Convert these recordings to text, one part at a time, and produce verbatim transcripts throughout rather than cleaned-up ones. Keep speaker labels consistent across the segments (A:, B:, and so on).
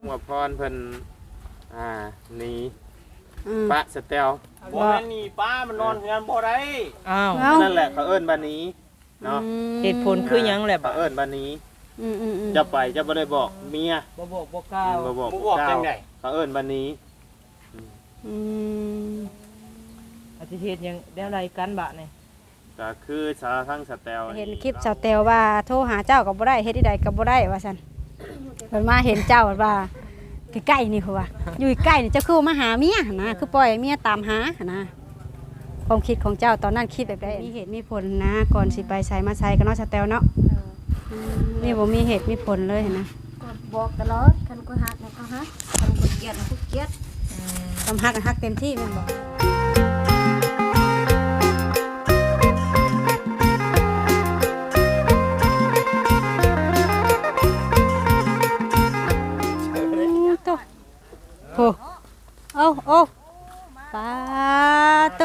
A: ว่าพรเพิ่นอ่าหนีปะสเตล
B: บ่แม่นนี่ป้ามันนอนเฮือนบ่ได้
C: อ้าว
A: นั่นแหละเขาเอิ้นบ้านนี้เนาะ
C: เหตุผลคือหยังแหละ
A: เขาเอิ้นบ้านนี้
D: อืมๆๆ
A: จะไปจะบ่ได้บอกเมีย
C: บ่บอกบ่กล่าว
A: บ่บอก
B: บ่บอกจังได๋
A: เขาเอิ้นบ้านนี้
D: อืม
C: อาทิเทศยังได้อะไรกันบะนี่
A: ก็คือสาวทั้งสเตล
D: เห็นคลิปสาวแตวว่าโทรหาเจ้าก็บ่ได้เฮ็ดที่ใดก็บ่ได้ว่าซั่นเพิ่นมาเห็นเจ้าว่าใกล้ๆนี่คือว่าอยู่ใกล้นี่เจ้าคือมาหาเมียนะคือปล่อยเมียตามหานะความคิดของเจ้าตอนนั้นคิดแบบใดมีเหตุมีผลนะก่อนสิไปใส่มาใส่กันเนาะสแตลเนาะนี่บ่มีเหตุมีผลเลยนะ
E: บอกตลอดคันก็ฮักนะก็ฮักคันก็เกลียดนะก็เกลียด
D: ทำฮักฮักเต็มที่แม่นบ่โอ้โอ้โอ้ปาโต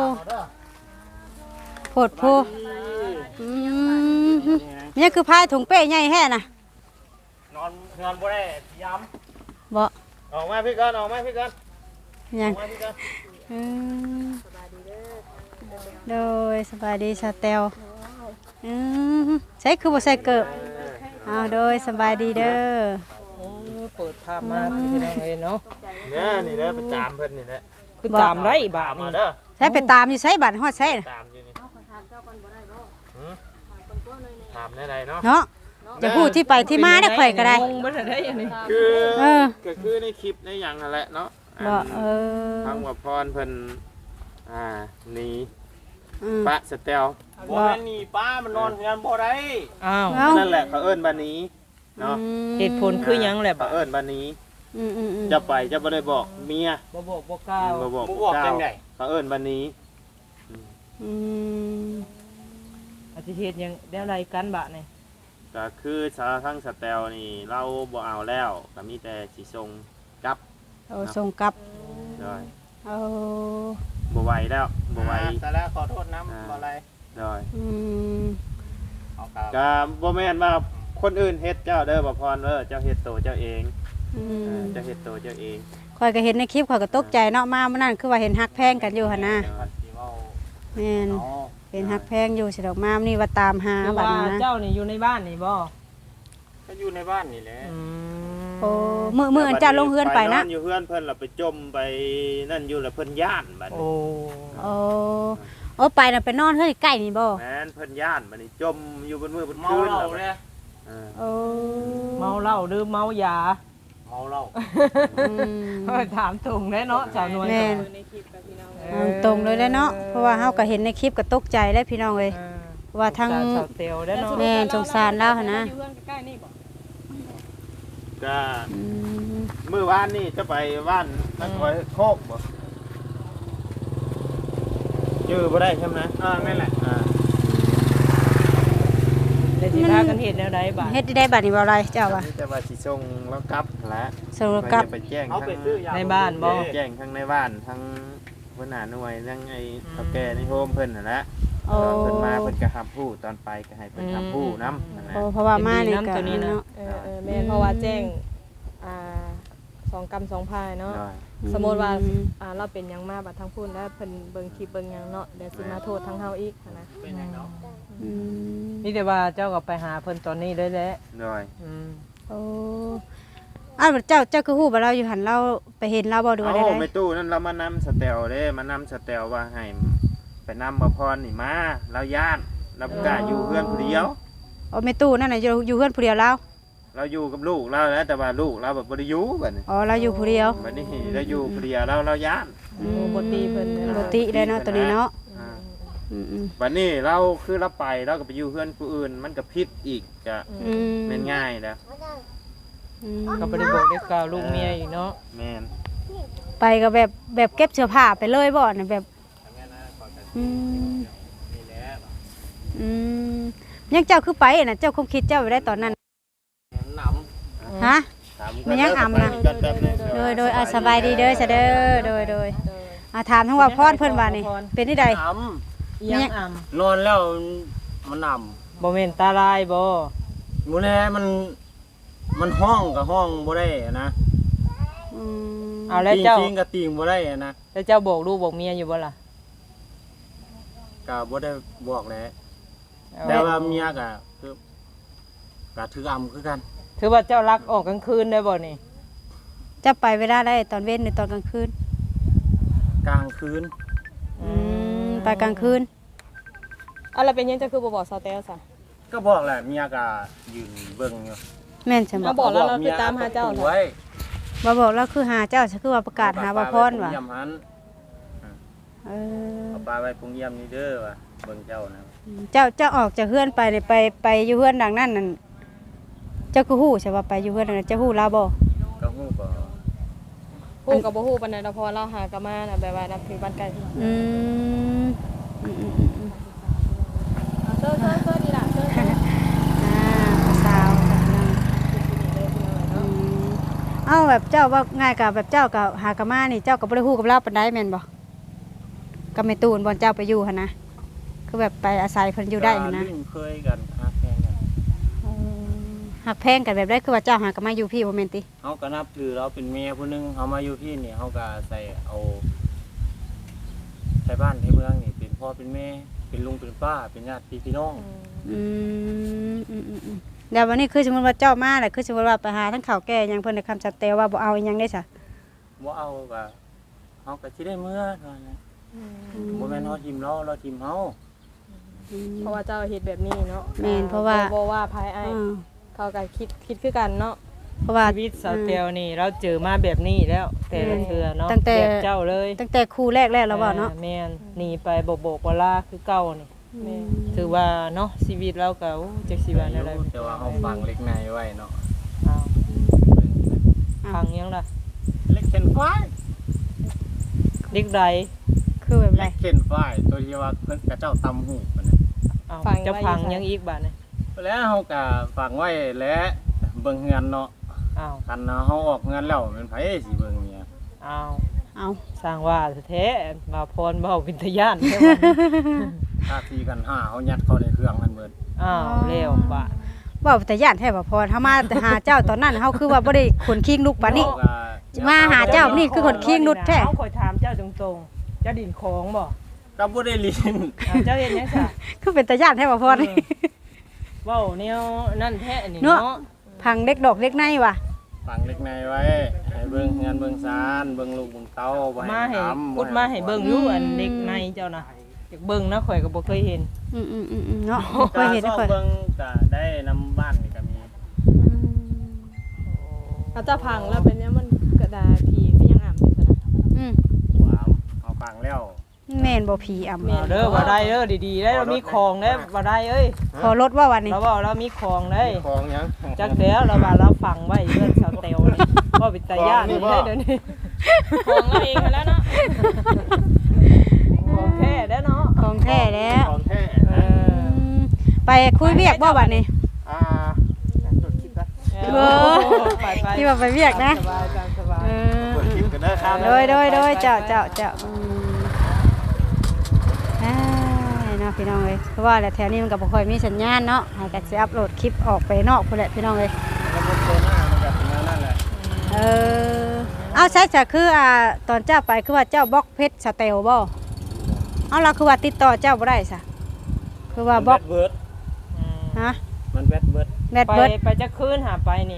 D: โพดโพอืมนี่คือพายถุงเป้ใหญ่แฮ่น่ะ
B: นอนเฮือนบ่ได้ย้
D: ำบ่
A: ออกมาพี่ก่อนออกมาพี่ก่อน
D: ยังอืมโดยสบายดีสเตลอืมใช่คือบ่ใส่เกิบเอาโดยสบายดีเด้อ
C: เปิดภาพมาพี่น้องเอ้ยเนาะ
A: เนี่ยนี่แหละไปตามเพิ่นนี่แหละ
C: คือตามไรบาดนี่
A: เด้อ
D: ใช้ไปตามอยู่ใช้บัตรฮอดใช้
A: ตามอยู่นี่ถามได้เนาะ
D: เนาะจะพูดที่ไปที่มาได้ข่อยก็ได้
C: งงบ่ได้อันนี้
A: คือ
D: เออ
A: ก็คือในคลิปในหยังนั่นแหละเนาะ
D: บ่เออ
A: ทั้งว่าพรเพิ่นอ่าหนีปะสเตล
B: บ่แม่นนี่ป้ามันนอนเฮือนบ่ได้
C: อ้าว
A: นั่นแหละเขาเอิ้นบ้านนี้เนาะ
C: เหตุผลคือหยังแหละ
A: เขาเอิ้นบ้านนี้
D: อืม
A: ๆจะไปจะบ่ได้บอกเมีย
C: บ่บอกบ่กล่าว
A: บ่บอก
B: บ่บอกจังได๋
A: เขาเอิ้นบ้านนี้
D: อืม
C: อาทิเทศยังได้อะไรกันบะนี่
A: ก็คือสาวทั้งสเตลนี่เราบ่เอาแล้วก็มีแต่สิส่งกลับ
D: เอาส่งกลับ
A: ได้
D: เอา
A: บ่ไหวแล้วบ่ไหว
B: แต่แล้วขอโทษนำบ่อะไร
A: ได้
D: อืม
A: ก็บ่แม่นว่าคนอื่นเฮ็ดเจ้าเด้อบ่พรเด้อเจ้าเฮ็ดโตเจ้าเอง
D: อืม
A: เจ้าเฮ็ดโตเจ้าเอง
D: ข่อยก็เห็นในคลิปข่อยก็ตกใจเนาะมามื้อนั้นคือว่าเห็นฮักแพงกันอยู่หั่นนะแม่นเห็นฮักแพงอยู่สิดอกมานี่ว่าตามหาบัดนี้นะ
C: เจ้านี่อยู่ในบ้านนี่บ่
B: ก็อยู่ในบ้านนี่แหละ
D: โอ้มื้อมื้ออันเจ้าลงเฮือนไปนะ
A: อยู่เฮือนเพิ่นล่ะไปจมไปนั่นอยู่แล้วเพิ่นย่านบัดนี้
C: โอ้
D: โอ้โอ้ไปน่ะไปนอนเฮือนใกล้นี่บ่
A: แม่นเพิ่นย่านบัดนี้จมอยู่บนมือบน
B: คืนแล้วเด้
A: อ
D: โอ้
C: เมาเหล้าหรือเมายา
B: เมาเหล้า
C: อืมถามตรงได้เนาะสาวนวล
D: ในคลิปกับพี่น้องตรงเลยได้เนาะเพราะว่าเฮาก็เห็นในคลิปก็ตกใจได้พี่น้องเอ้ยว่าทั้งแม่สงสารแล้วหั่นนะ
A: ก็มื้อวานนี่จะไปบ้านนักคอยโคกบ่ชื่อบ่ได้ใช่มั้ยอ่านั่นแหละอ่า
C: ได้สิพากันเฮ็ดแนวใดบัด
D: เฮ็ดได้บัดนี่บ่อะไรเจ้าว่า
A: แต่ว่าสิส่งแล้วกลับแหละ
D: ส่งกลับ
A: ไปแจ้งทั้ง
C: ในบ้านบ่
A: แจ้งทั้งในบ้านทั้งหัวหน้าหน่วยทั้งไอ้เฒ่าแก่ในโฮมเพิ่นนั่นแหละตอนเพิ่นมาเพิ่นก็รับผู้ตอนไปก็ให้เพิ่นรับผู้นำนั่นแหละ
D: เพราะว่ามานี่ก็
C: เนาะ
F: เออๆแม่นเพราะว่าแจ้งอ่าสองกรรมสองพายเนาะสมมุติว่าอ่าเราเป็นหยังมาบัดทางพุ่นแล้วเพิ่นเบิ่งคลิปเบิ่งหยังเนาะเดี๋ยวสิมาโทษทางเฮาอีกนะ
B: เป็นหยังเนาะ
D: อืม
C: มีแต่ว่าเจ้าก็ไปหาเพิ่นตอนนี้ได้แล้ว
A: ได้
C: อืม
D: โอ้อ้าวเจ้าเจ้าคือฮู้บ่เราอยู่หั่นเราไปเห็นเราบ่ดูได้
A: ได้โอ้ไม่ตู้นั่นเรามานำสเตลเด้มานำสเตลว่าให้ไปนำบ่พรนี่มาเราย่านเราบ่กล้าอยู่เฮือนผู้เดียว
D: อ๋อแม่ตู้นั่นน่ะอยู่อยู่เฮือนผู้เดียวเรา
A: เราอยู่กับลูกเราแล้วแต่ว่าลูกเราแบบบ่ได้อยู่บัดนี้
D: อ๋อเราอยู่ผู้เดียว
A: บัดนี้เราอยู่ผู้เดียวเราเราย่าน
C: โอ้บ่ตีเพิ่น
D: บ่ติได้เนาะตัวนี้เนาะ
A: อืมๆบัดนี้เราคือเราไปเราก็ไปอยู่เฮือนผู้อื่นมันก็ผิดอีกจะแม่นง่ายแล้ว
C: ก็บ่ได้บอกได้กล่าวลูกเมียอีกเนาะ
A: แม่น
D: ไปก็แบบแบบเก็บเสื้อผ้าไปเลยบ่น่ะแบบอืมอืมยังเจ้าคือไปน่ะเจ้าคงคิดเจ้าไว้ได้ตอนนั้น
B: น
D: ำฮะมันยังอ่ำนะโดยโดยอ่ะสบายดีเด้อซะเด้อโดยโดยอ่ะถามทั้งว่าพรเพิ่นว่านี่เป็นที่ใด
B: อ่
C: ำยังอ่
B: ำนอนแล้วมันอ่
C: ำบ่แม่นตาลายบ่
B: มื้อแลมันมันห้องกับห้องบ่ได้นะ
D: อืม
C: เอาแล้ว
B: ติง
C: เจ้า
B: จริงก็ติงบ่ได้อะนะ
C: แล้วเจ้าบอกลูกบอกเมียอยู่บ่ล่ะ
B: ก็บ่ได้บอกแหละ
C: เอา
B: แต่ว่าเมียก็คือก็ถืออำคือกัน
C: ถือว่าเจ้ารักออกกลางคืนได้บ่นี่
D: จะไปเวลาได้ตอนเว้นหรือตอนกลางคืน
B: กลางคืน
D: อืมไปกลางคืน
F: อะไรเป็นยังจะคือบ่บอกซาวเตลซะ
B: ก็บอกแหละเมียก็ยืนเบิ่งอยู่
D: แม่นใช่บ่
F: มาบอกแล้วเราไปตามหาเจ้า
B: เหร
F: เหรอ
B: อ
D: บ่บอกแล้วคือหาเจ้าคือว่าประกาศหาบ่พรว่ะ
B: เยี่ยมหัน
D: เออ
B: เอาปลาไว้ปรุงเยี่ยมนี่เด้อว่ะเบิ่งเจ้านะ
D: เจ้าเจ้าออกจากเฮือนไปเนี่ยไปไปอยู่เฮือนดังนั้นนั่นเจ้าก็ฮู้ใช่ว่าไปอยู่เฮือนดังนั้นเจ้าฮู้ลาวบ่
B: ก็ฮู้ก็
F: ฮู้กับบ่ฮู้ปานใดดอกเพอเราหากะมาน่ะแบบว่านับถือบ้านไกล
D: อืมอืมอืมอืมอืม
F: เอาเซอร์เซอร์เซอร์นี่ล่ะเซอร์เซอร์
D: อ่าสาวกับนางอืมเอ้าแบบเจ้าว่าง่ายกับแบบเจ้ากับหากะมานี่เจ้าก็บ่ได้ฮู้กับลาวปานใดแม่นบ่กับแม่ตูนบ่เจ้าไปอยู่หั่นนะคือแบบไปอาศัยเพิ่นอยู่ได้หั่นนะ
B: ก็ลิ้เคยกันฮักแพงกัน
D: เออหักแพงกันแบบได้คือว่าเจ้าหากะมาอยู่พี่บ่แม่นติ
B: เฮาก็นับถือเราเป็นเมียผู้หนึงเฮามาอยู่พี่นี่เฮาก็ใส่เอาใช้บ้านให้เมืองนี่เป็นพ่อเป็นแม่เป็นลุงเป็นป้าเป็นญาติพี่น้อง
D: อืมอืมอืมอืมเดี๋ยววันนี้คือสมมุติว่าเจ้ามาแหละคือสมมุติว่าไปหาทั้งข้าวแก่หยังเพิ่นได้คำชัดเตวว่าบ่เอาอีหยังได้ซะ
B: บ่เอาก็เฮาก็สิได้เมื่อเท่านั้นนะบ่แม่นเฮาทิมเราเราทิมเฮา
F: เพราะว่าเจ้าเฮ็ดแบบนี้เนาะ
D: แม่นเพราะว่า
F: บ่ว่าภายไอ้
D: อืม
F: เขาก็คิดคิดคือกันเนาะ
D: เพราะว่า
C: ชีวิตสาวเตียวนี่เราเจอมาแบบนี้แล้ว แต่ละเทื่อเนาะ
D: ตั้งแต่
C: แบบเจ้าเลย
D: ตั้งแต่ครูแรกๆแล้วบ่เนาะ
C: อ่แม่นหนีไปโบกโบกวลาคือเก่านี่
F: แม่
C: ถือว่าเนาะชีวิตเราก็โอ้จักสิว่าอะไร
B: แต่ว่าเฮาฟังเล็กในไว้เนาะ
C: อ้าวพังยังล่ะ
B: เล็กเข็นฝ้าย
C: เด็กใด
D: คือแบบไร
B: เล็กเข็นฝ้ายตัวที่ว่าเพิ่นกระเจ้าตำหูปานนั้น
C: อ้าวจะพังยังอีกบาดนี่
B: แล้วเฮาก็ฟังไว้และเบิ่งเฮือนเนาะ
C: อ้าว
B: คันเฮาออกเฮือนแล้วมันไผสิเบิ่งเนี่ย
C: อ้าว
D: เอา
C: สร้างว่าแท้ๆมาพรเว้าวิทยานแท้ว่า
B: ถ้าทีกันห้าเฮายัดเข้าในเครื่องมันเบิด
C: อ้าวแล้วบาด
D: เว้าแต่ย่านแท้บ่พอเฮามาหาเจ้าตอนนั้นเฮาคือว่าบ่ได้ขนคิงลูกปานนี้
B: เฮก็
D: มาหาเจ้านี่คือคนขี้นุชแท้
C: เฮาคอยถามเจ้าตรงๆเจ้าดินของบ่
B: ก็บ่ได้ลิ้น
C: อ้าวเจ้าเฮ็ดหยังซะ
D: คือเป็นตาย่านแท้บ่พอนี่
C: เว้าแนวนั่นแท้นี่
D: เนาะ
C: เนาะ
D: พังเด็กดอกเล็กในว่ะ
B: ฟังเล็กในไว้ให้เบิ่งเฮือนเบิ่งซานเบิ่งลูกเบิ่งเต้าบ่ให้
C: มาให้
B: ถาม
C: พุดมาให้เบิ่งอยู่อันเด็กในเจ้านะอยากเบิ่งนะข่อยก็บ่เคยเห็น
D: อืมอืมอืมอืมเนาะเคยเห็น
B: ก็
D: ได้ค่อย
B: เบิ่งก็ได้นํบ้านนี่ก็มี
F: เอาเจ้าพังแล้วเป็นยังมันกระดาษผีก็ยังอ่ำอยู่ซะนะ
D: อืม
B: หวามเอาฟังแล้ว
D: แม่นบ่ผีอ่ำ
C: เอาเด้อบ่ได้เด้อดีๆได้เรามีของเด้อบ่ได้เอ้ย
D: ขอรถว่าวันนี้
C: เราบอกเรามีของเด้
B: ของหยัง
C: จักแล้วเราว่าเราฟังไว้เรื่องชาวเตลนี่บ่เป็นตาย่านนี่ได้เดี๋ยวนี้
F: ของเราเองมาแล้วเนาะ
C: ของแท้เด้อเนาะ
D: ของแท้แล้ว
B: ของแท้
C: เออ
D: อืมไปคุยเวียกบ่วันนี้
B: อ่าจดคลิปนะ
D: เออ
C: ไปไป
D: ที่ว่าไปเวียกนะ
C: สบายตามสบาย
D: เออ
B: เปิดคลิปกันได้ครับ
D: โดยโดยโดยเจ้าเจ้าเจ้าอืมอ้ายเนาะพี่น้องเอ้ยเพราะว่าแหละแถวนี้มันก็บ่ค่อยมีสัญญาณเนาะให้ก็สิอัปโหลดคลิปออกไปนอกพุ่นแหละพี่น้องเอ้ย
B: แล้วก็โซน่ามันก็เป็นนั่นแหละ
D: เออเอาใช่จ้ะคืออ่าตอนเจ้าไปคือว่าเจ้าบล็อกเพชรสเตลบ่เอาเราคือว่าติดต่อเจ้าบ่ได้ซะคือว่าบล็อก
B: มันแบดเบิร์ด
C: อืม
D: ฮะ
B: มันแบดเบิร์ด
D: แบด
C: ไป
D: เบิด
C: ไปจะคืนหาไปนี่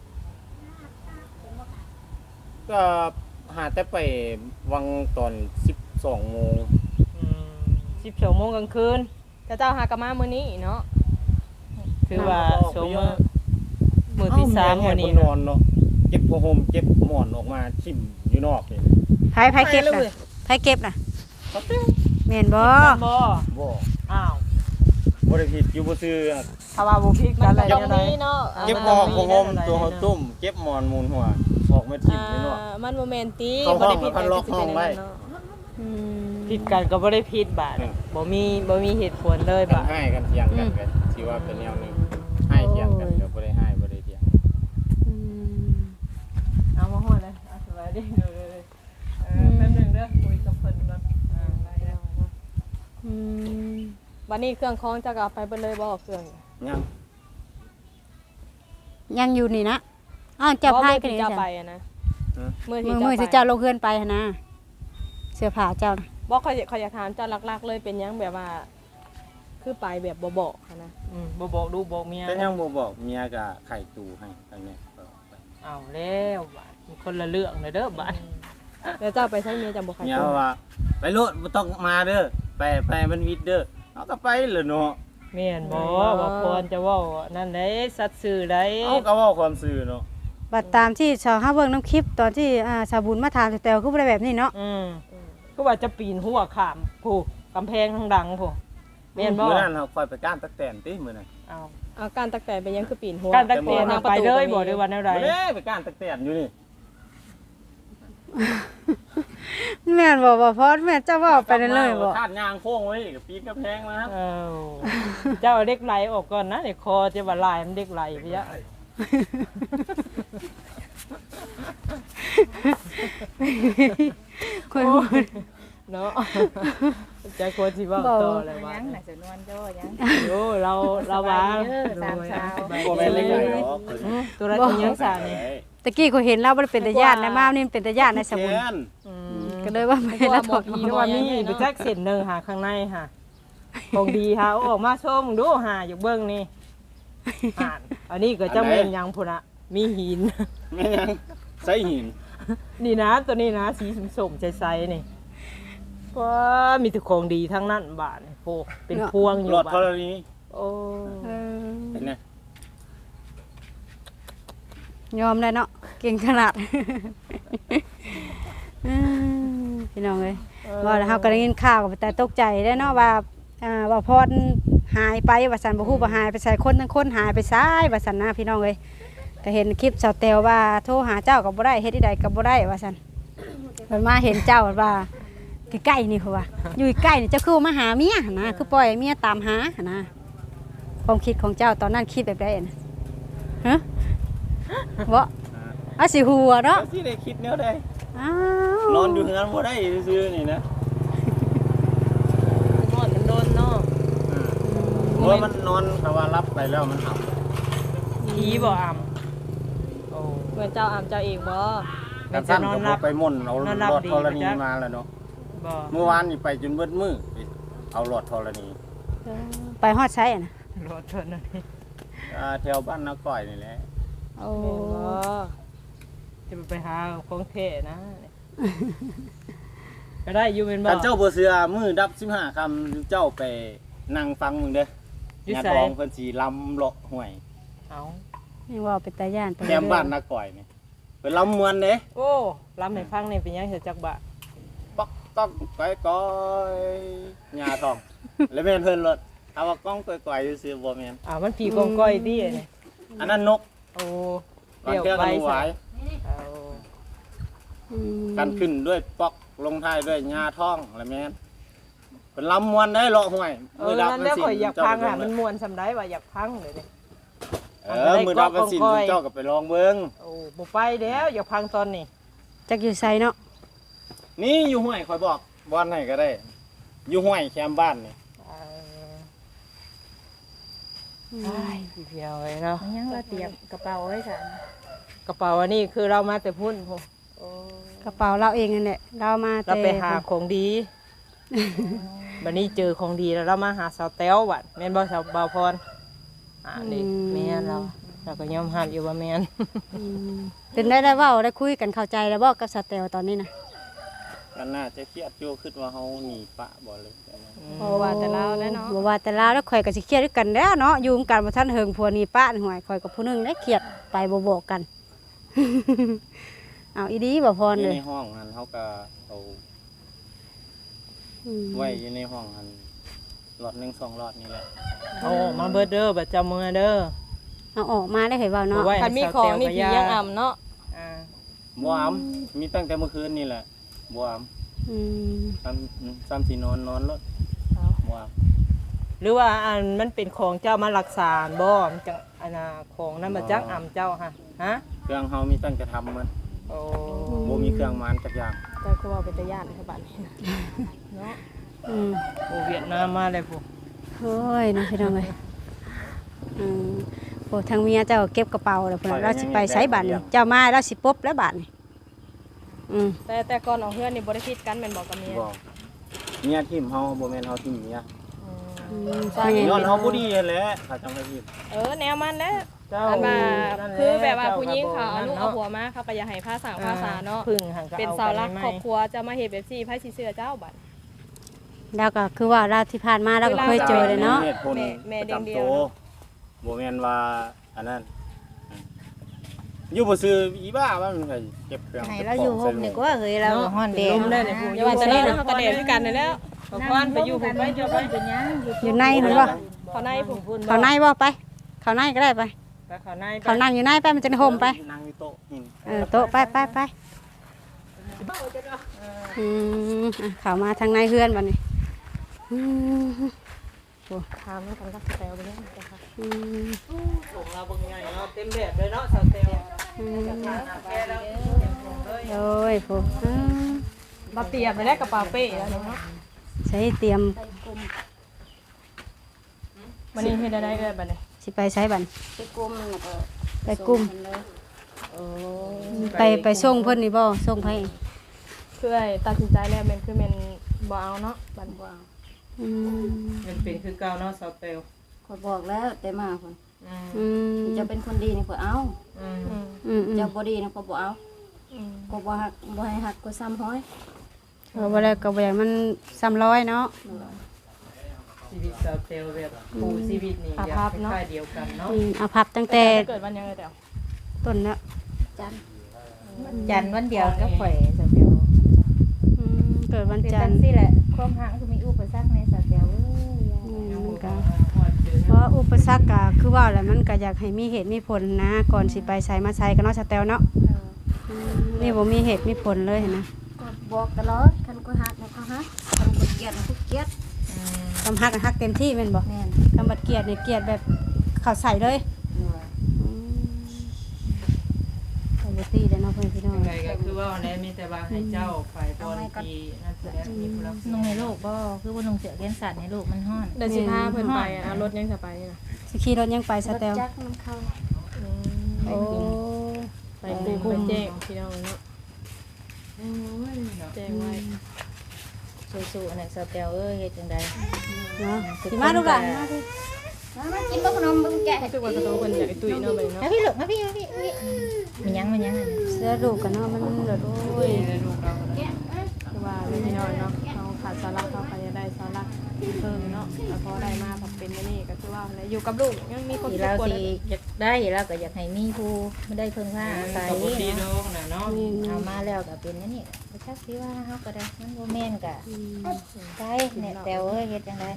B: ก็หาแต่ไปวังตอนสิบสองโมง
C: อืมสิบสองโมงกลางคืน
F: แต่เจ้าหากะมามื้อนี้เนาะ
C: ถือว่าโชว์มือมือที่สาม
B: เอ้
C: วันนี้
B: แนอนเนาะเก็บผ้าห่มเก็บหมอนออกมาทิ่มอยู่นอกนี่
D: ไผไผเก็บน่ะไผเก็บน่ะแม่นบ่
C: บ่
B: บ่
C: อ้าว
B: บ่ได้ผิดอยู่บ่ซื้อ
C: ถ้าว่าบ่พลิก
F: มั
C: กัน นอะไร
F: ก็ต้อ
C: จั
F: ง
C: งได๋
F: มีเนาะ
B: เก็บหมอนผ้าห่มตัวเขาตุ้มเก็บหมอนมูลหัวออกมาทิ่มอยู่นอก
F: อ่ามันบ่แม่นติ
B: เข้าห้อง
F: ผิด
B: แล้วพันล็อกห้องไว้
F: เนาะ
D: อืม
C: ผิดกันก็บ่ได้ผิดบาด
B: อืม
C: บ่มีบ่มีเหตุผลเลย
B: กัน
C: บาด
B: ให้กันเถียงกันกันสิว่าเป็นแนวหนึงให้เถียงกันก็บ่ได้ให้บ่ได้เถียง
D: อืม
C: เอามาฮอดเลยเอาสบายดีเด้อเออแป๊บนึงเด้อคุยกับเพิ่นก่อนอ่าได้แล้ว
D: อืม
F: วันนี้เครื่องของเจ้าก็เอาไปเบิดเลยบ่เครื่อง
B: ยัง
D: ยังอยู่นี่นะอ้าวเจ้าพายกัน
F: นี่
D: นี่
F: เจ้า
D: จ้ะ
F: ไปอะนะมื้อ
D: มื
F: ที่
D: อมือสิ
F: เจ้า
D: เจ้าลงเฮือนไปหั่นนะเสื้อผ้าเจ้านะ
F: บ่เขาเขาอยากถามเจ้าหลักๆเลยเป็นหยังแบบว่า คือไปแบบบ่บอกหั้นนะ
C: อืมบ่บอกดูบอกเมีย
B: แต่ยังบ่บอกเมียก็ไข่ตูให้ทางเนี้ยก็ไป
C: เอาแล้วบาดมันคนละเรื่องเลยเด้อบาด
F: แล้วเจ้าไปใช้เมียจำบ่ใคร
B: เมียว่าไปโลดบ่ต้องมาเด้อไปไปมันวิทย์เด้อเอาก็ไปเลยเนาะ
C: แม่นบ่ว่าพรจะเว้านั่นได้สัตว์ซื่อได้
B: เอาก็เว้าความซื่อเนาะ
D: บัดตามที่ชาวเฮาเบิ่งน้ำคลิปตอนที่อ่าชาวบุญมาถามแต่วคือบ่ได้แบบนี้เนาะ
C: อืมก็ว่าจะปีนหัวข้ามผู้กำแพงทางดังผู้แม่นบ่
B: มื้อนั้นเฮาค่อยไปก้านตักแตนติมื้อนั้น
C: เอา
F: เอาการตักแต่เป็นหยังคือปีนหัว
C: การตั้งแต่น่ะไปเลยบ่ได้ว่าแนวใด
B: บ่ได้ไปก้านตักแตนอยู่นี่
D: แม่นบ่บ่พอแม่นเจ้าเว้าไปนั่นเลยบ่
B: คาดยางโค้งไว้ก็ปีนกระแพงมาครับ
C: เอ้าเจ้าเอาเด็กไหลออกก่อนนะเดี๋ยวคอจะว่าลายมันเด็กไหลไปยะ
D: คนพูด
C: เนาะจะควรสิเว้าต่อเลยว่า
G: ยังน่ะสนวนโจ้ยัง
C: โอ้เราเราว่า
G: เด้อสามสาว
B: บ่แม่นเล็กไหลหรอก
C: อืมตัวละตัวยังสานี่
D: ตะกี้เขาเห็นแล้วบ่ได้เป็นตาญาตินะมานี่มันเป็นตาญาติในสมุน
B: แกน
C: อืม
D: ก็เลยว่าไม่ละถอด
C: เพราะว่ามีไปแจ็คเส้นหนึงหาข้างในค่ะ ของดีค่ะเอาออกมาชมดูหาอยู่เบิ่งนี่อ่านอันนี้ก็จะเป็นหยังพุ่นน่ะมีหิน
B: แม่นยังใส่หิน
C: นี่นะตัวนี้นะสีส้มๆใสๆนี่ว้ามีแต่ของดีทั้งนั้นบาทนี่โอ้เป็นพวงอยู่
B: หลอด
C: บา
B: ธร
C: ท
B: ณี
C: โอ้
D: เออ
B: เห็นไหม
D: ยอมได้เนาะเก่งขนาดอืมพี่น้องเอ้ยว่าแล้วเฮาก็ได้ยินข่าวก็แต่ตกใจได้เนาะว่าอ่าว่าพรหายไปว่าซั่นบ่ฮู้ว่าหายไปใส่คนทั้งคนหายไปซ้ายว่าซั่นนะพี่น้องเอ้ยก็เห็นคลิปสาวแตวว่าโทรหาเจ้าก็บ่ได้เฮ็ดที่ใดก็บ่ได้ว่าซั่นเพิ่นมาเห็นเจ้าว่าใกล้ๆนี่เขาว่าอยู่ใกล้นี่เจ้าคือมาหาเมียหั่นนะคือปล่อยให้เมียตามหาหั่นนะความคิดของเจ้าตอนนั้นคิดแบบใดน่ะฮะบ่อาสิหัวเนาะ
B: แล้วสิได้คิดแนวใด
D: อ้าวน
B: อนอยู่เฮือนบ่ได้ซื่อๆนี่นะ
C: นอนมันโดนเนาะ
B: เพราะว่ามันนอนแต่ว่ารับไปแล้วมันหับ
C: ผีบ่อ่ำโอ้
F: เหมือนเจ้าอามเจ้าเองบ่
B: กันสั้นก็บ่ไปม่นเอา
C: นอน
B: ห
C: รับ
B: ลอด
C: ดี
B: ธรณี
C: บ่จ๊ะ
B: มาแล้วเนาะ
C: บ่
B: เมื่อวานนี่ไปจนเบิดมือไปเอาหลอดธรณี
D: ไปฮอดใช้อะนะ
C: รถเพิ่นน่ะนี่
B: อ่าแถวบ้านนาก่อยนี่แหละ
D: โอ้
F: แม่นบ่
C: จะไปหาของเท่นะ ก็ได้อยู่เป็นบ่
B: กันเจ้าบ่เสือมือดับสิบห้าคำเจ้าไปนั่งฟังมึงเด้อ
C: อยู่
B: ญา
C: ไส
B: ติองเพิ่นสิลำเลาะห้วย
C: เอา
D: นี่ว่าเป็นตาย่านไป
B: แถมบ้านนาก่อยนี่เพิ่นลำมวนเด้
C: โอ้ลำให้ฟังนี่เป็นหยังเสียจักบะ
B: ป๊อกต้องก้อยก้อยหญ้าทอง แล้วแม่นเพิ่นรถเอาว่าก้องก้อยก้อยซื่อๆบ่แม่น
C: อ่ามันผีกองก้อยดิอันนี้
B: อันนั้นนก
C: โอ้
B: ก่อนเที่ยวกันหวาย
C: เอา
D: อืม
B: กันขึ้นด้วยป๊อกลงท้ายด้วยหญ้าทองแล้วแม่นเป็นลำมวนได้เลาะห้วย
C: เออนั่นแหละข่อยอยากพังอ่ะมันม่วนสำได้ว่าอยากพังเลยเด้
B: เออมือดับมันสินเจ้าก็ไปลองเบิ่ง
C: โอ้บ่ไปแล้วอยากพังตอนนี้
D: จักอยู่ไสเนาะ
B: นี่อยู่ห้วยข่อยบอกบ่อนไหนก็ได้ อยู่ห้วยแคมบ้านนี่
C: เออไอ้เดียวเลยเนาะ
G: มันยังเราเตรียมกระเป๋าไว้ซั่น
C: กระเป๋าอันนี้คือเรามาแต่พุ่นพุ่นโอ้
D: กระเป๋าเราเองนั่นแหละเรามา
C: เรา
D: แต่
C: ไปหาของดีบัดนี้เจอของดีแล้วเรามาหาสาวแต้วบัดแม่นบ่สาวบ่าวพรอ่านี่แม่นเราเราก็ยอมรับอยู่ว่าแม่น
D: อืมเป็นได้ได้เว้าได้คุยกันเข้าใจแล้วบ่กับสแตลตอนนี้นะ
B: กันน่าจะเครียดอยู่คิดว่าเฮาหนีปะบ่เลย
F: เพราะว่าแต่เราแล้วเนาะ
D: บ่ว่าแต่ลาวแล้วข่อยก็สิเครียดด้วยกันแล้วเนาะอยู่กันบ่ทันเฮิงผัวนี่ป้านี่ห่วยข่อยกับผู้หนึงได้เครียดไปบ่บอกกัน เอาอีดีบ่พร
B: อยู่
D: เลย
B: ในห้องหันเฮาก็เอา
D: อืม
B: ไว้อยู่ในห้องหันหลอดหนึ่งสองหลอดนี่แหละ
C: เอาออกมาเบิดเด้อบัดจำมือเด้อ
D: เอาออกมาได้เห็นเว้าเนาะ
C: เอาไว้
F: คันมีของนี่ผียังอ่ำเนาะ
C: อ่า
B: บ่อามมีตั้งแต่เมื่อคืนนี่แหละบ่อาม
D: อืม
B: ซ้ำซ้ำสินอนนอนรถบ่อาม
C: หรือว่าอันมันเป็นของเจ้ามารักษาบ่มันจังอันน่ะของนั้นมาจักอ่ำเจ้าฮะฮะ
B: เครื่องเฮามีตั้งแต่ทำมัน
C: โอ้
B: บ่มีเครื่องมันจักอย่าง
F: แต่คือว่าเป็นตาย่านคือบัดนี้เนาะ
D: อืม
C: โอ้เวียดนามมาเลยพวก
D: โอ้ยเนาะพี่น้องเอ้ยอืมโอ้ทางเมียเจ้าเก็บกระเป๋าแล้วพุ่นน่ะเราสิไปไสบัดนี่เจ้ามาเราสิปบแล้วบัดนี่อืม
F: แต่แต่ก่อนออกเฮือนนี่บ่ได้ผิดกันแม่นบ่กับเมีย
B: บ่เมียทิ่มเฮาบ่แม่นเฮาทิ่มเมีย
F: อืม
D: อืมใช่ไง
B: ย้อนเฮาบ่ดีนั่นแหละถ้าจังได๋ทิ่ม
F: เออแนวมันแหละ
C: เจ้า
F: อันว่า
C: นั่นหละ
F: คือแบบว่าผู้หญิง
C: จ้
F: เขาเอาลูกเอา
C: นั่น
F: ผัวมาเขาก็อยากให้ภาษาภาษาเนาะ
C: พึ่งหันก็
F: เป็น
C: อ
F: เสาหลัก
C: ไป
F: ครอบครัวจะมาเฮ็ดแบบซี่ไผสิเชื่อเจ้าบัด
D: แล้วก็คือว่าเราที่ผ่านมาเราก็เคยเจอเลยเนาะ
B: เหตุผล
F: แม่แม่
B: ประจำ
F: เดี
B: ตั
F: ยว
B: ว
F: ๆ
B: บ่แม่นว่าอันนั้นอยู่บ่ซื้ออีบ้าว่ามันก็เก็บเครื่อง
G: ให้
B: เก็บ
G: เรา
B: ข
G: อยู่
B: ง
G: ห่มดีกว่าเฮ้ยเราฮ้อนแดด
C: ลมได้เลยผู้
F: อย่าว่าแต่นี้นะเขาก็แดดคือกันนั่นแหล้ว
C: ขอพรไปอยู่ผมไปเจ้าไป
G: เป็นหยัง
D: อยู่ในเห็นบ่
F: เขาในผม
C: พุ่น
D: เขาในบ่ไปเขาในก็ได้ไป
C: ไปเขาในไป
D: เขานั่งอยู่ในไปมันจะได้ห่มไป
B: นั่งอยู่โต๊ะหิน
D: เออโต๊ะไปไปไปอืมอ่ะเขามาทางในเฮือนบัดนี้อืม
F: ถามกันกับแตวไปเนี่ยจ้ะค่ะ
D: อืม
C: ส่งเราเบิ่งใหญ่เนาะเต็มแบบเลยเนาะสาวเตล
D: อืม
C: ทานอาแกแล้วเต็มถุงเลย
D: โอ้ยผู้อืม
F: บ่เตรียมไปแล้วกระเป๋าเป้แล้วเนาะ
D: ใช้เตรียม
F: วันนี้เฮ็ดได้เอ้ยบัดนี้
D: สิไปใช้บัน
E: ไปกลุ่มนั่นน่ะก็
D: ไปกลุ่ม
E: ส่งเพิ่นเลย
F: โอ้
D: ไปไปส่งเพิ่นนี่บ่ส่งไผ
F: คือไอ้ตัดสินใจแล้วแม่นคือแม่นบ่เอาเนาะบัด
E: บ่เอา
D: อืม
C: มันเป็นคือเก่าเนาะสาวเตล
E: ข่อยบอกแล้วแต่มาเพิ่น
C: อืม
D: อืม
E: เจะเป็นคนดีนี่ข่อยเอา
C: อืม
F: อืม
D: อืมอืม
E: เจ้าบ่ดีนี่ข่อยบ่เอา
F: อืม
E: ข่อยบ่ฮักบ่ให้ฮักข่อยซ้ำห้อย
D: เออบ่แล้วก็บ่อยากมันซ้ำร้อยเนาะ
C: ชีวิตสาวเตลแบบผู้ชีวิตนี่อยากคล้ายๆเดียวกันเนาะ
D: อืมเอาพับตั้งแต่
F: เกิดวันยังไงแตว
D: ต้นแล้ว
E: จันทร์
G: จันทร์วันเดียวก็ข่อยสาวเดียว
D: อืมเกิดวัน
G: คือ
D: จั
G: จั
D: น
G: ง
D: ทร์
G: ซี่แหละความหักคือมีอุปสรรคในสาวเดียวเอ้ย
D: อืมมันก็
C: พอเจอ
D: เพราะอุปสรรคก็คือว่าแหละมันก็อยากให้มีเหตุมีผลนะ ก่อนสิไปใช้มาใช้ก็เนาะสแตลเนาะ
E: เออ
D: อืมนี่บ่มีเหตุมีผลเลยเห็นนะ
E: ก็บอกตลอดคันกูฮักนะเขาฮักคันกูเกลียดนะกูเกลียด
D: ทำฮักก็ฮักเต็มที่แม่นบ่
E: แม่น
D: คำบัดเกลียดเนี่ยเกลียดแบบเข้าใส่เลยอืมปกติเด้อเนาะเพิ่นพี่น้อง
C: อะไรก็คือว่าแน่มีแต่ว่าให้เจ้าไปบนที่นั่นแสดงมีผู้รับ
G: นุ่งในโลกบ่คือบ่นุ่งเสื้อแขนสั้นในโลกมันฮ้อน
F: เดือนสิบห้าเพิ่นไปอ่ะรถยังจะไปนะ
D: สิขี่รถยังไปส
E: รถ
D: แตล
E: จักรมันเข้า
D: โอ้
F: ไปกลุ่มไปแจ้งพี่น้องเนาะแจ้งไว้
G: สู้ๆอันนั้นสาวเดียวเอ้ยเฮ็ดจังได๋
D: เนาะสิมาลูกหลานมาดิ
E: มามากินบ่ขนมเบิ่งแกะให้
F: รู้สึกว่ากระโตคนอยากไอ้ตุ้ยเนาะไปเนาะ
G: มาพี่ลูกมาพี่มาพี่มาพี่มีหยังมีหยังอันนี้
D: เสื้อลูกกันเนาะมันแบบโอ้ย
F: คือว่าพี่น้องเนาะเราขาดสาระเขาก็จะได้สาระเพิ่มเนาะแล้วพอได้มาพอเป็นนี่ก็คือว่าอยู่กับลูกยังมีคน
G: ที่
F: ทุก
G: เรา
F: คน
G: สิอยากได้เราก็อยากให้มีผู้ไม่ได้เพิ่งว่าอาศัย
C: ปกติ
G: นะ
C: น้องน่ะเนาะ
G: เอามาแล้วก็เป็นอันนี้บ่ชักสิว่าเฮาก็ได้มันบ่แม่นก็ได้เนี่ยแต่เอ้ยเฮ็ดจังได๋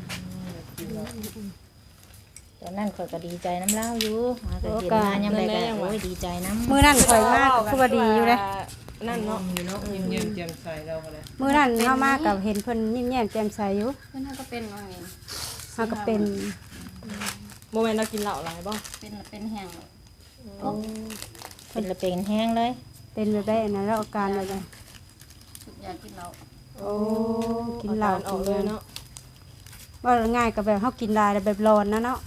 G: ตอนนั้นข่อยก็ดีใจน้ำเล่าอยู่หาก็เห็นมายามใดก็โอ้ยดีใจน้ำ
D: มื้อนั้นข่อยมากคือว่าดีอยู่เลย
F: นั่นเนาะ
C: มีเนาะยิ้มเยี่ยมแจ่มใสเราก็เลย
D: มื้อนั้นเฮามากับเห็นเพิ่นยิ้มแย้มแจ่มใสอยู่
E: เพิ่นเฮาก็เป็นว่าไง
D: เฮาก็เป็น
F: โมเมนต์เรากินเหล้าหลายบ่
E: เป็นเป็นแห้ง
G: เป็นละเป็นแห้งเลย
D: เป็นแบบได้อันนั้นแล้วอาการแบบใด
E: ทุกอย่างกินเหล้า
D: โอ้กินเหล้า
F: ออกเลยเนาะ
D: ว่าง่ายกับแบบเฮากินได้แบบร้อนนะเนาะ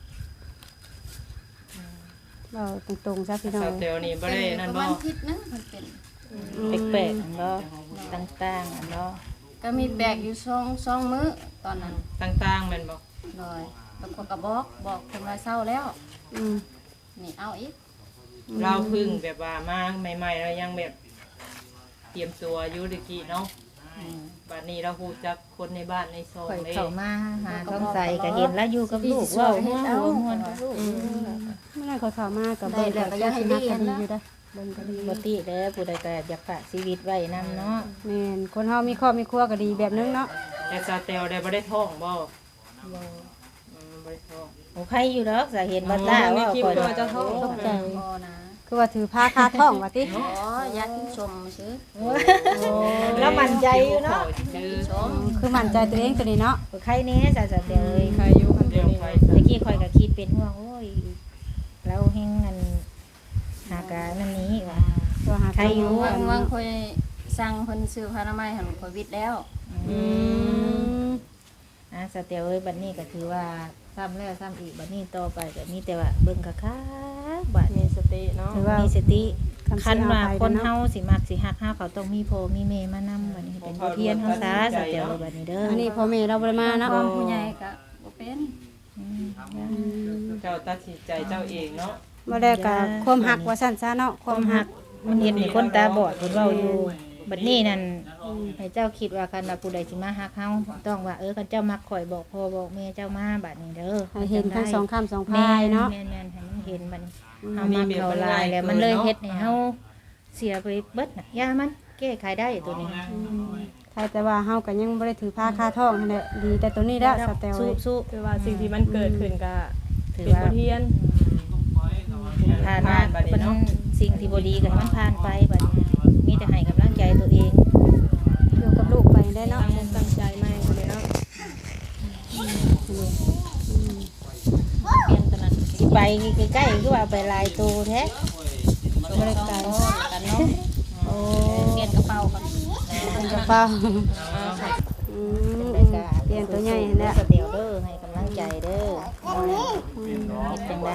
D: เราตรงๆซะพี่น้อ
C: สาง วเตลนี่บ่ได้นั่น
E: ประ
C: บ่
E: มาณอาทิตย์นึงมันเป็น
G: แปลกๆอันบ่ต่างๆอันบ่
E: ก็มีแบกอยู่สองสองมื้อตอนนั้น
C: ต่างๆแม่นบ่
E: เลยแล้วก็กระบอกบอกคนว่าเศร้าแล้ว
D: อืม
E: นี่เอาอีก
C: เราพึ่งแบบว่ามาใหม่ๆเรายังแบบเตรียมตัวอยู่ตะกี้เนาะ
E: อืม
C: บัดนี้เราฮู้จักคนในบ้านในซอย
G: ข่อย
C: เลย
G: เข้ามาหาท้องใสก็เห็นแล้วอยู่กับลูกเว้าหัวหัวม่วนกับลูก
D: เมื่อนั้นข่อยเข้ามากับเบิ่งก็ยังสินักก็ดีอยู่เด้อเบิ่งก็ดี
G: ปกติแล้วผู้ใดก็อยากฝากชีวิตไว้นํเนาะ
D: แม่นคนเฮามีครอบมีครัวก็ดีแบบนึงเนาะ
C: แต่สาวเตลได้บ่ได้ท้องบ่อืมบ่ได้ท้อง
G: โอ้ใครอยู่ดอกจะเห็นบ่ตาว่าข่อย
D: ตกใจ
E: พอนะ
D: คือว่าถือผ้าคาท้องว่าติ
E: อ๋ออยากกินชมซื้อ
G: แล้วมั่นใจอยู่เนาะ
C: ชื่อ
E: ชม
D: คือมั่นใจตัวเองตัวนี้เนาะ
G: ใครแน่จะจะเดี๋ยวเอ้ย
F: ใครอยู่คัน
C: เดียว
F: นี้
C: ไป
G: ตะกี้ข่อยก็คิดเป็นห่วงโอ้ยเราแฮงนั่นหากานั่นนี้ว่า
D: ตัวหา
G: ใครอยู่
E: วางวางคอยสั่งเพิ่นซื้อพานามัยหันโควิดแล้ว
D: อืม
G: อ่ะสเตียวเอ้ยบัดนี้ก็ถือว่าซ้ำแล้วซ้ำอีกบัดนี้ต่อไปก็มีแต่ว่าเบิ่งคักๆบัดนี้ส
F: ติเนาะ
D: หรือว่า
G: มีสติ
D: คำ
G: คันว่า
D: สิเอาไป
G: คน
D: เนาะ
G: เฮาสิมักสิฮักเฮาเขาต้องมีพ่อมีแม่มานำบัดนี้เป็นบทเรียนเฮาซะสเตียวบัดนี้เด้อ
D: อันนี้พ่อแม่เราบ่ได้มาเนาะ
E: ความผู้ใหญ่ก็บ่เป็น
C: เจ้าตัดสินใจเจ้าเองเนาะ
D: บ่ได้ก็ความหักว่าซั่นซะเนาะค
G: ความ ม
D: วาหั
G: ฮั
D: ก
G: กมันเห็นให้คนตาบอดเพิ่นเว้าอยู่บัดนี้นั่นให้เจ้าคิดว่าคันว่าผู้ใดสิมาฮักเฮาต้องว่าเออคันเจ้ามักข่อยบอกพ่อบอกแม่เจ้ามาบัดนี้เด้อ
D: ให้เห็นทั้งสองคำสอง
G: แม่
D: พายเนาะ
G: แม่นๆให้มันเห็นบัดนี้เฮามักเขาหลายแล้วมันเลยเฮ็ดให้เฮาเสียไปเบิดน่ะยามันแก้ไขได้ตัวนี้
D: ใช่แต่ว่าเฮาก็ยังบ่ได้ถือผ้าคาท้องนั่นแหละดีแต่ตัวนี้แล้วสแตล
G: สู้
D: เอ้ย
G: สู้
F: คือว่าสิ่งที่มันเกิดขึ้นก็
G: ถือ
F: เป็น
G: ว่า
F: บทเรียน
G: ผ่านมาเป็นสิ่งที่บ่ดีกันมันผ่านไปบัดนี้มีแต่ให้กำลังใจตัวเอง
D: อยู่กับลูกไปได้เนาะ
F: ตั้งตั้งใจใหม่เลยเนาะ
G: เปลี่ยนตอนนั้นสิไปใกล้ๆคือว่าไปลายตัวแท้
D: บ่ได้ไกล
G: กันเนาะ
D: โอ้
G: เปลี่ยนกระเป๋ากัน
D: เป็นกระเป๋าอืมเปลี่ยนตัวใหญ่นั่นแหละ
G: เดี๋ยวเด้อให้กำลังใจเด้อเฮ็ดจังได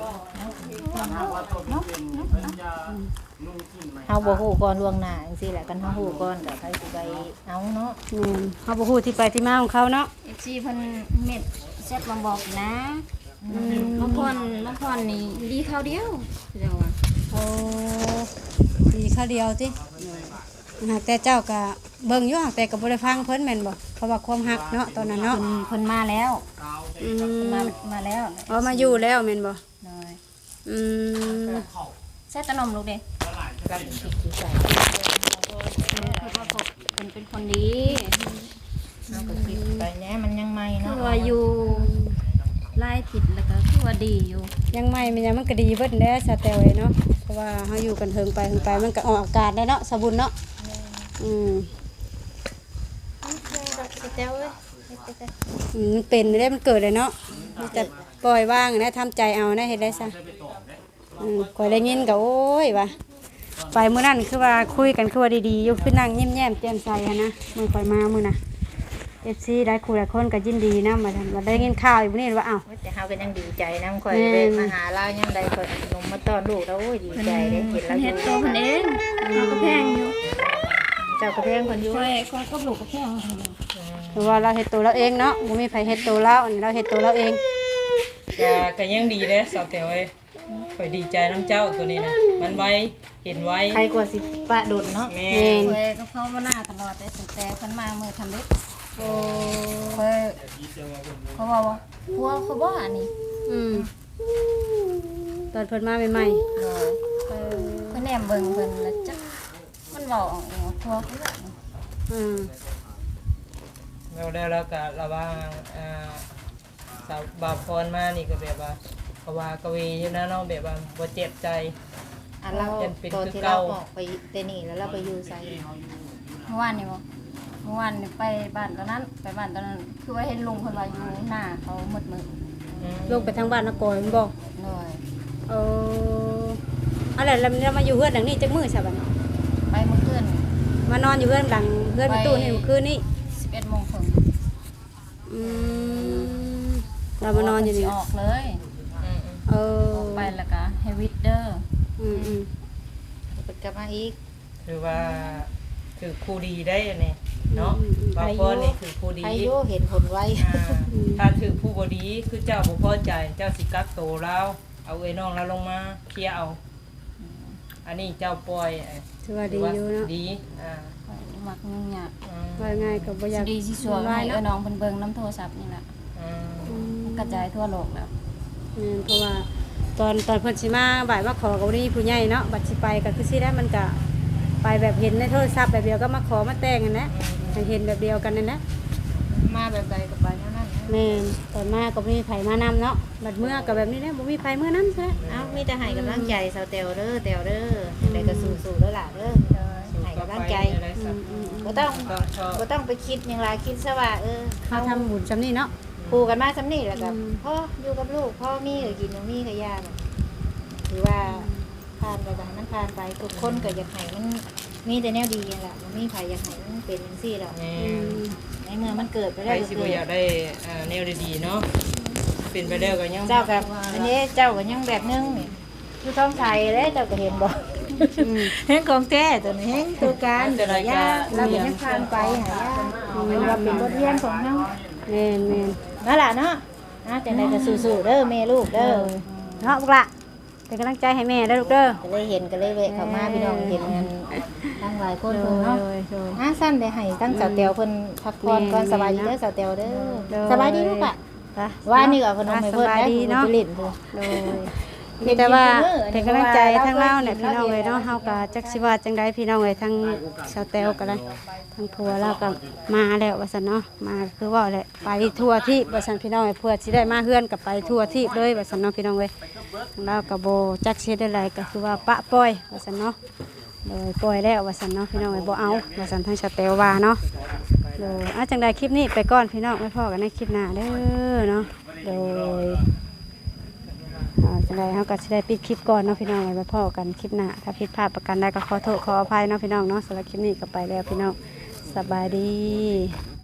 G: เฮาบ่ฮู้ก่อนล่วงหน้าจังซี่แหละกันเฮาฮู้ก่อนก็ใครสิไปเอาเนาะ
D: แม่นเฮาบ่ฮู้ที่ไปที่มาของเขาเนาะ
E: เอฟซีเพิ่นเม็ดเซ็ตมาบอกนะบางคนบางคนนี่ดีเขาเดียวเจ้าว่า
D: โอ้ดีข้าวเดียวติหากแต่เจ้าก็เบิ่งอยู่หากแต่ก็บ่ได้ฟังเพิ่นแม่นบ่เพราะว่าความฮักเนาะตอนนั้นเนาะ
E: เพิ่นเพิ่นมาแล้ว
D: อื
E: เพิ่น
D: ม
E: มามาแล้ว
D: เอามาอยู่แล้วแม่นบ่
E: เลย
D: อืม
E: เซ็ตตะนมลูกเด้
G: กันสิสิใส่
E: คือว่าพบเพิ่นเป็นคนดี
G: เฮาก็คิดไปแหน่มันยังใหม่
E: คื
G: เนาะ
E: อว่าอยู่ไล่ผิดแล้วก็คือว่าดีอยู่
D: ยังไม่มันยังมันก็ดีเบิดแน่สแตลเอ้ยเนาะเพราะว่าเฮาอยู่กันเฮิงไปเฮิงไปมันก็ออกอากาศได้เนาะสบุญเนาะอืม
G: สิเจ้าเอ้ย
D: อืมมันเป็นได้มันเกิดเลยเนาะมีแต่ปล่อยว่างนะทำใจเอานะเฮ็ดได้ซะอืมข่อยได้ยินก็โอ้ยว่าไปมื้อนั้นคือว่าคุยกันคือว่าดีๆอยู่คือนั่งยิ้มแย้มแจ่มใสหันนะมื้อข่อยมามื้อน่ะ เอฟ ซี ได้คุยหลายคนก็ยินดีนำว่าซั่นว่าได้ยินข่าวอยู่มื้อนี้ว่าอ้าว
G: แต่เฮาก็ยังดีใจนำข่อยเว้มาหาเรายังได้ข่อยเอาขนมมาต้อนลูกแล้วโอ้ยดีใจได้เห็นแล้ว
E: เฮ็ดตัวเพิ่นเองเราก็แพงอยู่
G: เจ้าก็แพงคนอยู่
E: ค่อยค่อยกับลูกก็แพง
D: เพราะว่าเราเฮ็ดตัวเราเองเนาะบ่มีไผเฮ็ดตัวเราอันนี้เราเฮ็ดตัวเราเอง
C: ก็ก็ยังดีเด้สาวแต๋วเอ้ยข่อยดีใจน้ำเจ้าตัวนี้นะมันไวเห็นไว
G: ใครกว่าสิปะดุดเนาะ
C: แม่
D: แม่น
E: ค่อยก็เข้ามาหน้าตลอดแต่ตั้งแต่เพิ่นมามื้อทำเล็ก
D: โอ้
E: ค่อยเขาบอกว่าพัวเขาบ่อันนี้
D: อืมตอนเพิ่นมาใหม่
E: เออเออเพิ่นแนมเบิ่งเพิ่นแล้วจักมันเว้าออกเองว่าพัวเขาบ่
D: ๆอืม
C: แล้วแล้วแล้วก็ระหว่างอ่าสาวบาพรมานี่ก็แบบว่าก็ว่ากะเวอยู่นะเนาะแบบว่าบ่เจ็บใจ
G: อันเราตอนที่เราออกไปเตนี่แล้วเราไปอยู่ไส
E: เมื่อวานนี่บ่เมื่อวานนี่ไปบ้านตอนนั้นไปบ้านตอนนั้น คือว่าเห็นลุงเพิ่นว่าอยู่หน้าเขามืดมืด
C: อืม
D: ลงไปทางบ้านนกอยแม่นบ่
E: เลย
D: เอออะไรแล้วเรามาอยู่เฮือนหลังนี้จักมื้อซะบัดนี้
E: ไปเมื่อคืน
D: มานอนอยู่เฮือนหลังเฮือนประตูนี่เมื่อคืนนี้
E: สิบเอ็ดโมงครึ่ง
D: อืมเรามานอนอยู่นี่
E: สิออกเลย
C: อืม
D: เออ
E: ออกไปแล้วก็ให้วิดเดอร์
D: อืมอืม
G: ไปกลับมาอีก
C: คือว่าคือครูดีได้อันนี้เนาะบาพรนี่คือครูดี
G: ใครโยเห็นผลไว้
C: อ่าถ้าถือผู้บดีคือเจ้าบุพอใจเจ้าสิกักโตแล้วเอาไอ้น้องแล้วลงมาเคลียร์เอา อันนี้เจ้าปล่อยเอ้ย
D: ถือว่าดีอยู่เนาะ
C: ดีอ่า
E: มักยุ่งยาก
C: อืม
D: ว่าง่ายก็บ่อยาก
E: ดีสิสวยให้เออน้องเพิ่นเบิ่งน้ำโทรศัพท์นี่แหละ
C: อืม
D: อืม
E: กระจายทั่วโลกแล้ว
D: แม่นเพราะว่าตอนตอนเพิ่นสิมาบ่ายมาขอกับนี่ผู้ใหญ่เนาะบัดสิไปก็คือสิได้มันก็ไปแบบเห็นในโทรศัพท์แบบเดียวก็มาขอมาแต่งกันนะให้เห็นแบบเดียวกันนั่นนะ
G: มาแบบใดก็ไปเท่านั้นนะ
D: แม่นตอนมาก็บ่มีไผมานำเนาะบัดเมื่อก็แบบนี้แหละบ่มีไผเมื่อนำซะ
G: เอ้ามีแต่ให้กำลังใจสาวเตวเด้อเตวเด้อจังไดก็สู้ๆเด้อล่ะเด้อให้กำลังใจ
C: อะไรสัก
G: บ่ต้อง
C: ต้องชอบ
G: บ่ต้องไปคิดหยังหลายคิดซะว่าเออ
D: เฮาทำบุญซำนี้เนาะ
G: คู่กันมาซำนี้แล้วก็
D: อืม
G: พ่ออยู่กับลูกพ่อมีก็กินบ่มีก็ย่าน่ะถือว่าผ่านไปก็ให้มันผ่านไปทุกคนก็อยากให้มันมีแต่แนวดีนั่นล่ะบ่มีไผอยากให้มันเป็นจังซี่หรอก
C: แม่
D: อืม
G: ในเมื่อมันเกิดไป
C: ใค
G: แล้
C: ร
G: วก็
C: สิบ่
G: เกิ
C: อยาก
G: ด
C: ได้อ่าแนวดีๆเนาะเป็นไปแล้วก็ยัง
G: เจ้ากับอันนี้เจ้าก็ยังแบบนึงนี่คือต้องใส่เลยเจ้าก็เห็นบ่เห็นของแท้ตัวนี้เห็นตัวการเดี๋ยวระยะเราเป็นยังผ่านไปหายาเราเป็นบทเรียนของเฮา
D: แม่นแม่น
G: นั่นล่ะเนาะนะจังได๋ก็สู้ๆเด้อแม่ลูกเด้อ
D: เนาะพวกละเป็นกำลังใจให้แม่เด้อลูกเด้อ
G: ก็เลยเห็นก็เลยแวะเข้ามาพี่น้องเห็นกันทั้งหลายคน
D: โด
G: เพิ่น
D: ย
G: เนาะ
D: โดยโดย
G: อ่ะสั้นได้ให้ตั้งสาวเตียวเพิ่นพักผ่อนก่อน
D: แม่
G: สบายดีเด้อ
D: นะ
G: สาวเตียวเด้
D: โด
G: อย สบายดีลูกอ่ะ
D: ไป
G: ว่านี่ก็เพิ่นเอาให้เพิ่น
D: สบาย
G: ได้
D: ดี
G: เนาะ
D: เนาะ
G: ไปเล่นพุ่น
D: โดยมีแต่ว่าเป็นกำลังใจทั้งเราเนี่ยพี่น้องเลยเนาะเฮาก็จักสิว่าจังไดพี่น้องเลยทั้งชาวแตวก็ได้ทั้งผัวเราก็มาแล้วว่าซั่นเนาะมาคือว่าแหละไปทั่วที่ว่าซั่นพี่น้องเอ้ยเพื่อสิได้มาเฮือนกับไปทั่วที่เลยว่าซั่นเนาะพี่น้องเอ้ยทั้งเราก็บ่จักสิเฮ็ดได้ไรก็คือว่าปะปล่อยว่าซั่นเนาะโดยปล่อยแล้วว่าซั่นเนาะพี่น้องเอ้ยบ่เอาว่าซั่นทั้งชาวแตวว่าเนาะโดยอ่ะจังไดคลิปนี้ไปก่อนพี่น้องไว้พอกันในคลิปหน้าเด้อเนาะโดย อ่าจังไดเฮาก็สิได้ปิดคลิปก่อนเนาะพี่น้องไว้พ่อกันคลิปหน้าถ้าผิดพลาดประการใดก็ขอโทษขออภัยเนาะพี่น้องเนาะสำหรับคลิปนี้ก็ไปแล้วพี่น้องสบายดี